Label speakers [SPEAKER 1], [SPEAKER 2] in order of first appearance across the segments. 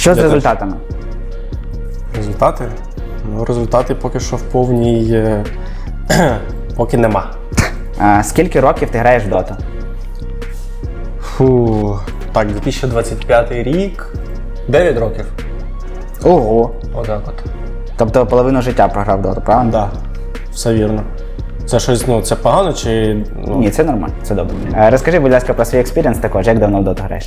[SPEAKER 1] Що з результатами?
[SPEAKER 2] Результати? Ну, результати поки що в повній... поки нема.
[SPEAKER 1] Скільки років ти граєш в доту?
[SPEAKER 2] Так, 2025 рік. 9 років.
[SPEAKER 1] Ого.
[SPEAKER 2] Отак от.
[SPEAKER 1] Тобто половину життя програв в доту, правильно?
[SPEAKER 2] Так, все вірно. Це щось, це погано чи...
[SPEAKER 1] Ні, це нормально, це добре. Розкажи, будь ласка, про свій експірієнс також, як давно в доту граєш?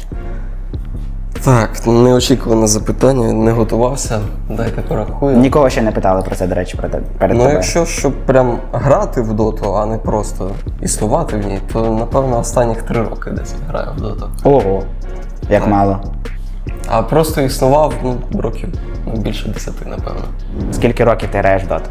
[SPEAKER 3] Так, неочікуване запитання, не готувався, дайте порахую.
[SPEAKER 1] Нікого ще не питали про це, до речі, перед тобою.
[SPEAKER 3] Якщо щоб прям грати в доту, а не просто існувати в ній, то напевно останніх 3 роки десь граю в доту.
[SPEAKER 1] Ого, як
[SPEAKER 3] Так.
[SPEAKER 1] мало.
[SPEAKER 3] А просто існував, років більше 10, напевно.
[SPEAKER 1] Скільки років ти граєш в доту?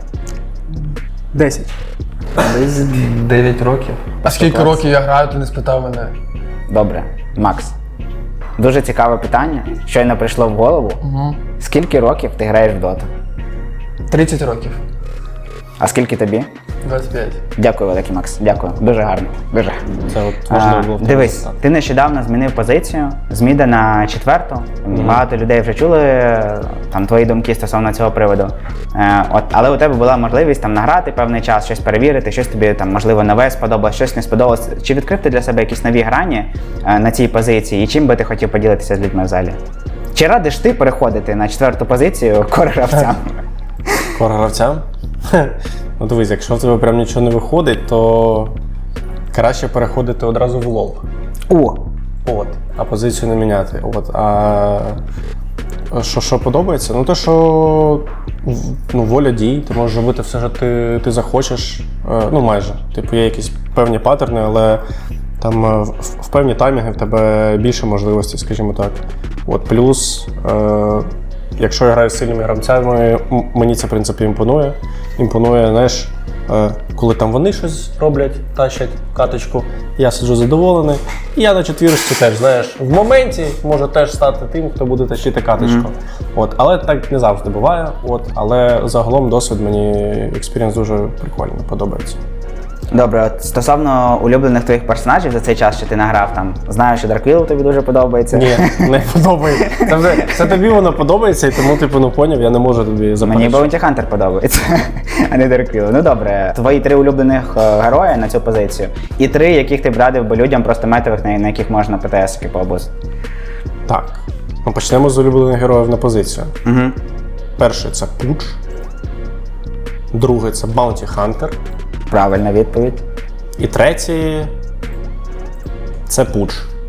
[SPEAKER 4] 10.
[SPEAKER 3] Десь 9 років.
[SPEAKER 4] А скільки років я граю, ти не спитав мене?
[SPEAKER 1] Добре, Макс. Дуже цікаве питання, щойно прийшло в голову. Скільки років ти граєш в доту?
[SPEAKER 4] 30 років.
[SPEAKER 1] А скільки тобі?
[SPEAKER 4] 25.
[SPEAKER 1] Дякую, великий Макс. Дякую. Дуже гарно. Дуже.
[SPEAKER 2] Це от важливо було.
[SPEAKER 1] Дивись, ти нещодавно змінив позицію з міда на 4-ту. Багато людей вже чули там твої думки стосовно цього приводу. Але у тебе була можливість там награти певний час, щось перевірити, щось тобі там можливо нове сподобалось, щось не сподобалось. Чи відкрив ти для себе якісь нові грані на цій позиції, і чим би ти хотів поділитися з людьми в залі? Чи радиш ти переходити на 4-ту позицію кор-гравцям?
[SPEAKER 2] Кор-гравцям? Ну дивись, якщо в тебе прям нічого не виходить, то краще переходити одразу в лол.
[SPEAKER 1] О!
[SPEAKER 2] А позицію не міняти. А що подобається? Те, що воля дій, ти можеш робити все, що ти захочеш. Майже. Типу, є якісь певні паттерни, але там в певні таймінги в тебе більше можливостей, скажімо так. Плюс, якщо я граю з сильними гравцями, мені це, в принципі, імпонує. Імпонує, знаєш, коли там вони щось роблять, тащать каточку, я сиджу задоволений. І я на 4-ці теж, знаєш, в моменті може теж стати тим, хто буде тащити каточку. Але так не завжди буває. Але загалом досвід мені, експірієнс дуже прикольний, подобається.
[SPEAKER 1] Добре, стосовно улюблених твоїх персонажів за цей час, що ти награв там, знаю, що Дарквіл тобі дуже подобається.
[SPEAKER 2] Ні, не подобається. Це тобі воно подобається, і тому, поняв, я не можу тобі заперечити.
[SPEAKER 1] Мені Bounty Hunter подобається, а не Дарквіл. Ну добре, твої 3 улюблених герої на цю позицію, і 3, яких ти б радив би людям, просто метових, на яких можна ПТС-ки пообузити.
[SPEAKER 2] Так, ми почнемо з улюблених героїв на позицію. Перший – це Пудж. Другий – це Bounty Hunter.
[SPEAKER 1] Правильна відповідь.
[SPEAKER 2] І третій – це Пудж.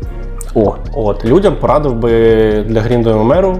[SPEAKER 2] Людям порадив би для грінду ММРу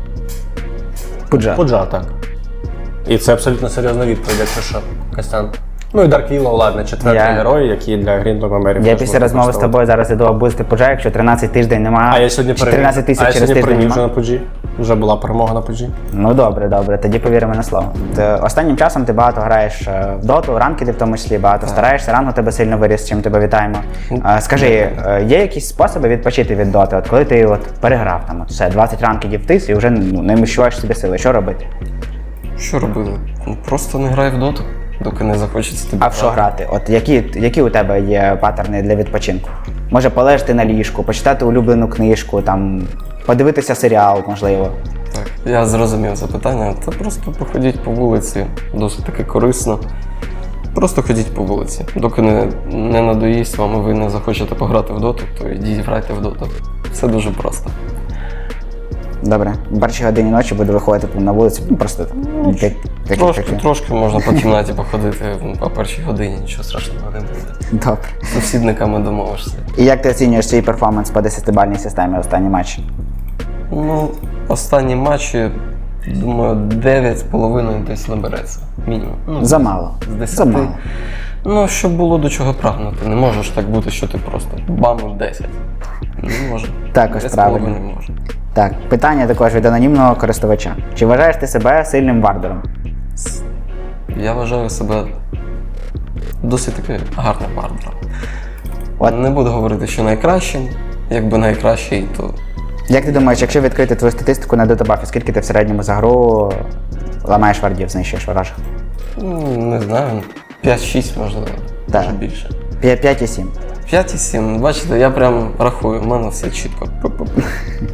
[SPEAKER 2] Пуджа, так. І це абсолютно серйозна відповідь, якщо що, Костян. І Дарквілла, ладно, 4-й герой, який для грінду ММРів.
[SPEAKER 1] Я після розмови з тобою зараз іду обузити Пуджа, якщо 13 тиждень немає.
[SPEAKER 2] А я сьогодні
[SPEAKER 1] 13 тисяч через тиждень
[SPEAKER 2] вже на Пуджі. Вже була перемога на Пуджі.
[SPEAKER 1] Ну добре, тоді повіримо на слово. Останнім часом ти багато граєш в доту, ранкеди в тому числі, багато стараєшся, ранг у тебе сильно виріс, чим тебе вітаємо. Скажи, є якісь способи відпочити від доти? Коли ти переграв там, все, 20 ранкедів втис і вже не відчуваєш собі сили, що робити?
[SPEAKER 3] Що робити? Просто не грай в доту, доки не захочеться тобі.
[SPEAKER 1] А в що грати? Які у тебе є паттерни для відпочинку? Може полежати на ліжку, почитати улюблену книжку, там, подивитися серіал, можливо.
[SPEAKER 3] Так, я зрозумів запитання. Та просто походіть по вулиці, досить таки корисно. Просто ходіть по вулиці. Доки не надоїсть вам і ви не захочете пограти в доту, то йдіть грайте в доту. Все дуже просто.
[SPEAKER 1] Добре, в першій годині ночі буду виходити на вулицю, просто
[SPEAKER 3] Трошки можна по кімнаті походити по першій годині, нічого страшного не буде.
[SPEAKER 1] Добре.
[SPEAKER 3] З сусідниками домовишся.
[SPEAKER 1] І як ти оцінюєш свій перформанс по 10-бальній системі останній матч?
[SPEAKER 3] Останні матчі, думаю, 9,5 десь набереться. Мінімум.
[SPEAKER 1] Замало.
[SPEAKER 3] З 10.
[SPEAKER 1] Замало.
[SPEAKER 3] Щоб було до чого прагнути. Не може ж так бути, що ти просто бам 10. Не може.
[SPEAKER 1] Також правильно.
[SPEAKER 3] Не може.
[SPEAKER 1] Так, питання також від анонімного користувача. Чи вважаєш ти себе сильним вардером?
[SPEAKER 3] Я вважаю себе досить таки гарним вардером. Не буду говорити, що найкращим. Якби найкращий, то...
[SPEAKER 1] Як ти думаєш, якщо відкрити твою статистику на дотобафі, скільки ти в середньому за гру ламаєш вардів, знищуєш ворожих?
[SPEAKER 3] Не знаю, 5-6 можливо, може більше.
[SPEAKER 1] 5,7.
[SPEAKER 3] 5,7, бачите, я прям рахую, в мене все чітко.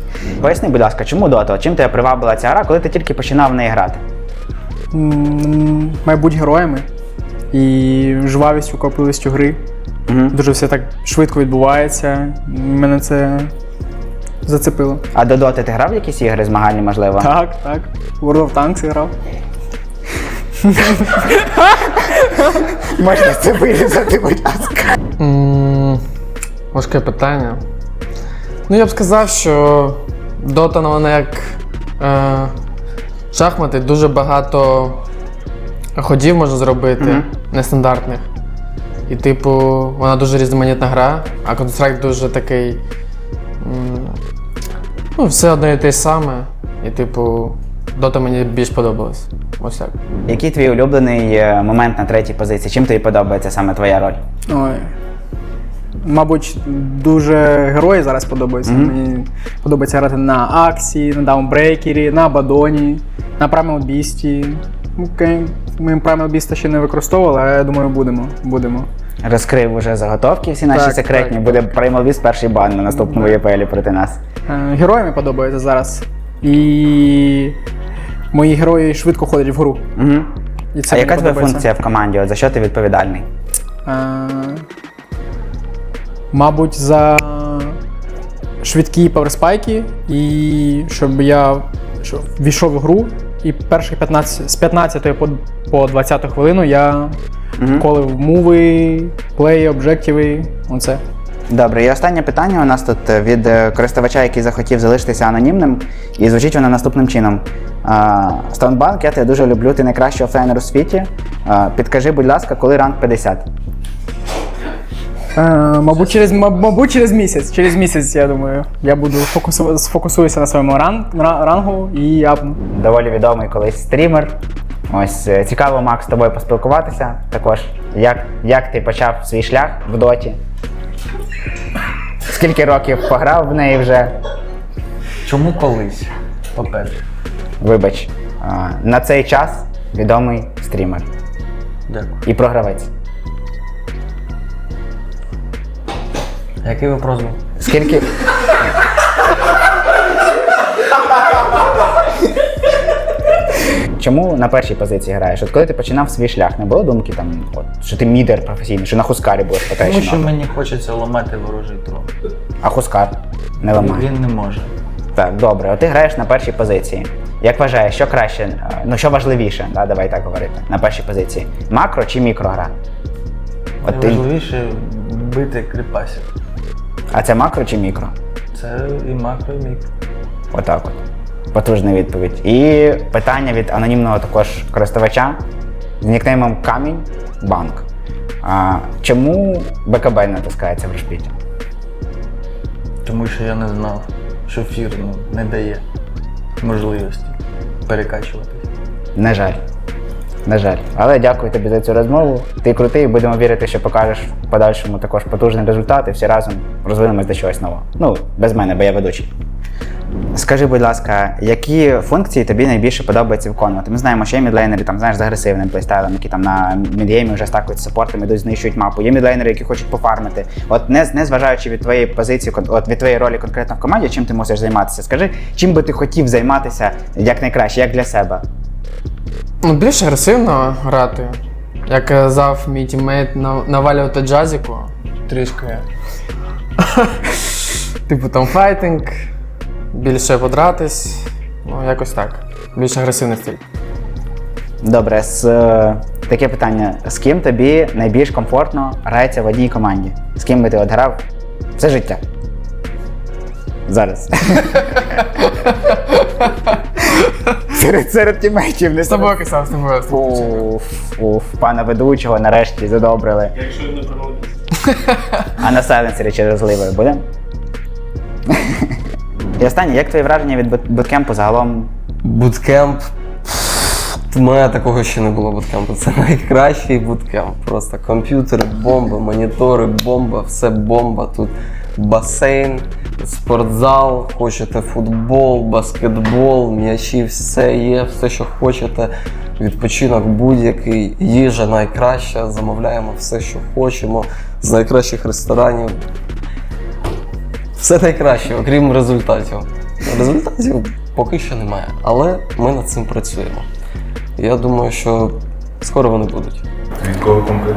[SPEAKER 1] Поясни, будь ласка, чому Dota? Чим тебе привабила ця гра, коли ти тільки починав в неї грати?
[SPEAKER 5] Має бути героями і жвавістю, копливістю гри. Дуже все так швидко відбувається. Мене це зацепило.
[SPEAKER 1] А до Dota ти грав в якісь ігри змагальні, можливо?
[SPEAKER 5] Так. World of Tanks грав.
[SPEAKER 1] Можна це вирізати, будь ласка.
[SPEAKER 4] Важке питання. Ну, я б сказав, що Dota, вона як шахмати, дуже багато ходів можна зробити, нестандартних. І, типу, вона дуже різноманітна гра, а Counter-Strike дуже такий. Ну, все одно і те саме. І, типу, Dota мені більш подобалась. Ось так.
[SPEAKER 1] Який твій улюблений момент на третій позиції? Чим тобі подобається саме твоя роль?
[SPEAKER 5] Ой. Мабуть, дуже герої зараз подобаються. Мені подобається грати на Аксі, на Даунбрейкері, на Абадоні, на Primal Beast. Ми Primal Beast ще не використовували, але я думаю, будемо.
[SPEAKER 1] Розкрив уже заготовки всі наші
[SPEAKER 5] Так,
[SPEAKER 1] секретні.
[SPEAKER 5] так.
[SPEAKER 1] Буде Primal Beast перший бан на наступному ЄПЛі проти нас.
[SPEAKER 5] Герої мені подобаються зараз. І мої герої швидко ходять в гру. І це
[SPEAKER 1] А
[SPEAKER 5] мені
[SPEAKER 1] яка твоя
[SPEAKER 5] подобається.
[SPEAKER 1] функція в команді? От за що ти відповідальний?
[SPEAKER 5] Мабуть, за швидкі паверспайки і щоб я ввійшов в гру і перших 15, з 15 по 20 хвилину я колив муви, плеї, об'єктиви, оце.
[SPEAKER 1] Добре, і останнє питання у нас тут від користувача, який захотів залишитися анонімним, і звучить воно наступним чином. Stonebank, я тебе дуже люблю, ти найкращий офлайнер у світі. Підкажи, будь ласка, коли ранг 50?
[SPEAKER 5] Мабуть, через місяць. Через місяць, я думаю, я буду сфокусуюся на своєму рангу і апну.
[SPEAKER 1] Доволі відомий колись стрімер. Ось цікаво, Макс, з тобою поспілкуватися також. Як ти почав свій шлях в доті? Скільки років пограв в неї вже?
[SPEAKER 6] Чому колись? По-перше.
[SPEAKER 1] Вибач, на цей час відомий стрімер
[SPEAKER 6] Дякую.
[SPEAKER 1] і програвець.
[SPEAKER 6] Який вопрос був?
[SPEAKER 1] Скільки... Чому на першій позиції граєш? От коли ти починав свій шлях, не було думки, там, от, що ти мідер професійний, що на Хускарі будеш
[SPEAKER 6] Тому
[SPEAKER 1] потрачено?
[SPEAKER 6] що мені хочеться ламати ворожий трон.
[SPEAKER 1] А Хускар не ламає.
[SPEAKER 6] Він не може.
[SPEAKER 1] Так, добре. От ти граєш на першій позиції. Як вважаєш, що краще, ну що важливіше, да, давай так говорити, на першій позиції? Макро чи мікрогра? От ти...
[SPEAKER 6] Найважливіше бити кріпасів.
[SPEAKER 1] А це макро чи мікро?
[SPEAKER 6] Це і макро, і мікро.
[SPEAKER 1] Отак от. Потужна відповідь. І питання від анонімного також користувача з нікнеймом Камінь Банк. Чому БКБ не натискається в решпіті?
[SPEAKER 6] Тому що я не знав, що фір не дає можливості перекачуватись.
[SPEAKER 1] На жаль. На жаль. Але дякую тобі за цю розмову. Ти крутий, будемо вірити, що покажеш в подальшому також потужний результат і всі разом розвинемось до чогось нового. Ну, без мене, бо я ведучий. Скажи, будь ласка, які функції тобі найбільше подобається виконувати? Ми знаємо, що є мідлейнери, там, знаєш, з агресивним плейстайлом, які там на мідгеймі вже стакують саппортами, йдуть, знищують мапу. Є мідлейнери, які хочуть пофармити. От не зважаючи від твоєї позиції, от від твоєї ролі конкретно в команді, чим ти мусиш займатися? Скажи, чим би ти хотів займатися як найкраще, як для себе?
[SPEAKER 4] Ну, більш агресивно грати. Як казав мій тіммейт, навалювати джазіку. Трішки. Типу там файтинг, більше подратись. Ну, якось так. Більш агресивний стиль.
[SPEAKER 1] Добре, таке питання. З ким тобі найбільш комфортно грається в одній команді? З ким би ти от грав все життя? Зараз. Серед тімейтів, не
[SPEAKER 4] З тобою казав, з тобою.
[SPEAKER 1] Уф, пана ведучого нарешті задобрили.
[SPEAKER 2] Якщо не проводиться.
[SPEAKER 1] А на сайленсері чи розливою будемо? І останнє, як твої враження від буткемпу загалом?
[SPEAKER 3] Буткемп. У мене такого ще не було буткемпу. Це найкращий буткемп. Просто комп'ютери, бомба, монітори, бомба, все бомба. Тут басейн, спортзал, хочете футбол, баскетбол, м'ячі, все є, все, що хочете. Відпочинок будь-який, їжа найкраща, замовляємо все, що хочемо, з найкращих ресторанів. Все найкраще, окрім результатів. Результатів поки що немає, але ми над цим працюємо. Я думаю, що скоро вони будуть.
[SPEAKER 6] Від кого конкретно?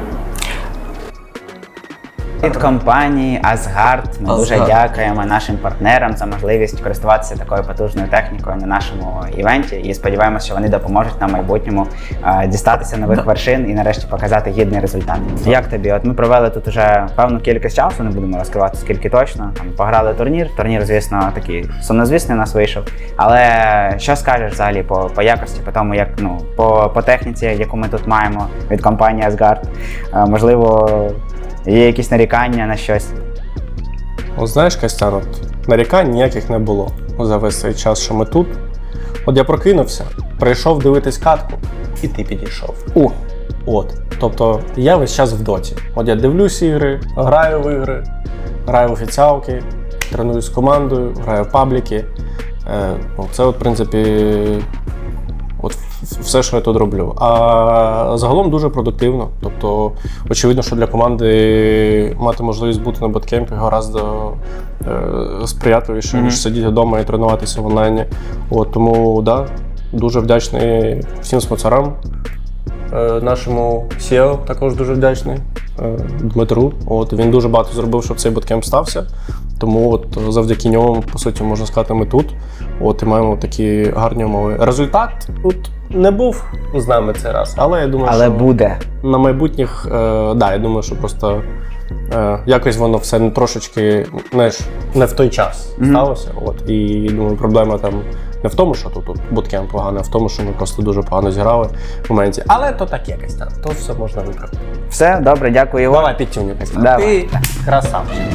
[SPEAKER 1] Від компанії Asgard ми дуже
[SPEAKER 3] Asgard.
[SPEAKER 1] дякуємо нашим партнерам за можливість користуватися такою потужною технікою на нашому івенті. І сподіваємося, що вони допоможуть нам в майбутньому дістатися нових вершин і нарешті показати гідний результат. Як тобі? От ми провели тут уже певну кількість часу, не будемо розкривати скільки точно. Там пограли турнір. Турнір, звісно, такий сумнозвісний у нас вийшов. Але що скажеш взагалі по якості, по тому, як по техніці, яку ми тут маємо від компанії Asgard? Можливо, є якісь нарікання на щось?
[SPEAKER 2] От знаєш, Костян, от нарікань ніяких не було за весь цей час, що ми тут. От я прокинувся, прийшов дивитись катку, і ти підійшов. От. Тобто я весь час в доті. От я дивлюсь ігри, граю в ігри, граю в офіціалки, тренуюсь з командою, граю в пабліки. Це, от, в принципі, от все, що я тут роблю. А загалом дуже продуктивно. Тобто, очевидно, що для команди мати можливість бути на боткемпі гораздо сприятливіше, ніж сидіти вдома і тренуватися в онлайні. От, тому, да, дуже вдячний всім спонсорам. Нашому CEO також дуже вдячний, Дмитру. От, він дуже багато зробив, щоб цей боткемп стався. Тому от завдяки ньому, по суті, можна сказати, ми тут. От, і маємо такі гарні умови. Результат тут не був з нами цей раз, але я думаю,
[SPEAKER 1] Але
[SPEAKER 2] що
[SPEAKER 1] буде.
[SPEAKER 2] на майбутніх, я думаю, що просто якось воно все трошечки, знаєш, не в той час сталося. От, і думаю, проблема там не в тому, що тут буткемп поганий, а в тому, що ми просто дуже погано зіграли в моменті. Але то так якось там, то все можна виправити.
[SPEAKER 1] Все, добре, дякую, Ігор.
[SPEAKER 2] Давай підтюню, Костян.
[SPEAKER 1] Давай.
[SPEAKER 2] Ти красавчик.